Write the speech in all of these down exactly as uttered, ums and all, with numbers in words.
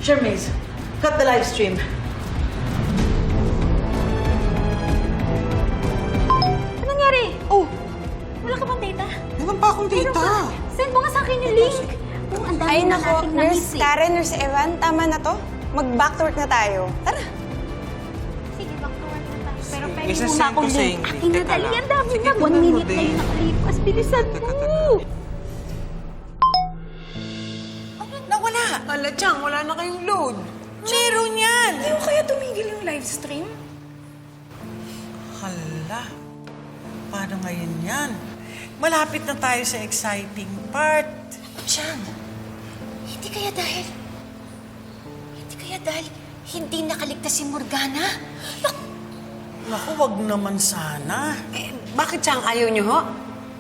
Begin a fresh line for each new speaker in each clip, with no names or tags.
Charmaze, cut the live stream.
Ano nangyari? Oh, wala ka bang data?
Meron pa akong data.
Send mo nga sa akin yung link. Oh, ang dami
Ay
na
nako,
nating
Nurse
na-miss eh.
Karen, Nurse Evan, tama na to. Mag-back to work na tayo. Tara.
Sige, back to work na tayo. Pero
Sige,
pwede
isasend
muna
ko
akong
sa
link.
English.
Akin na
Teka
dali,
lang.
ang dami
Sige,
na. One
tingnan mo
minute na
din.
yung nakalipas. Bilisan
Teka,
mo.
teka.
Nawala.
Ala, Chang, wala na kayong load.
Meron yan.
Hindi ko kaya tumigil yung live stream?
Hala. Paano ngayon yan? Malapit na tayo sa exciting part.
Siyang, hindi kaya dahil... Hindi kaya dahil hindi nakaligtas si Morgana? Naku,
Naku, wag naman sana.
Eh, bakit, Chang, ayaw niyo, ho?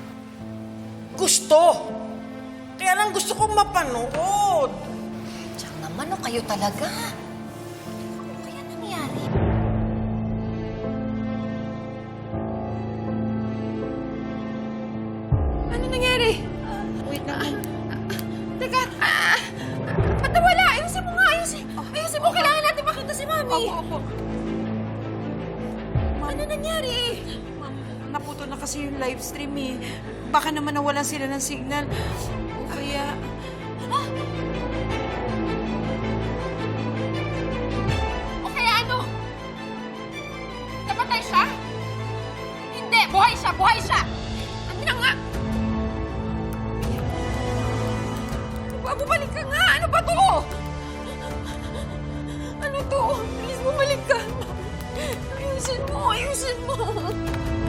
Gusto. Kaya lang gusto kong mapanood.
Siyang naman, o kayo talaga. Ano kaya nangyari?
Ano nangyari? Wait lang. Teka, ah, ba't nawala? Ayusin mo nga, ayusin. Ayusin mo, kailangan natin makita si Mami.
Opo, opo.
Ano nangyari?
Ma'am, naputo na kasi yung live stream, eh. Baka naman nawalan sila ng signal. O kaya...
O kaya ano? Napatay siya? Hindi, buhay siya, buhay siya! Ano na nga? Ano ba? Bumalik ka nga! Ano ba to? Ano to? Please, bumalik ka! Ayusin mo, ayusin mo!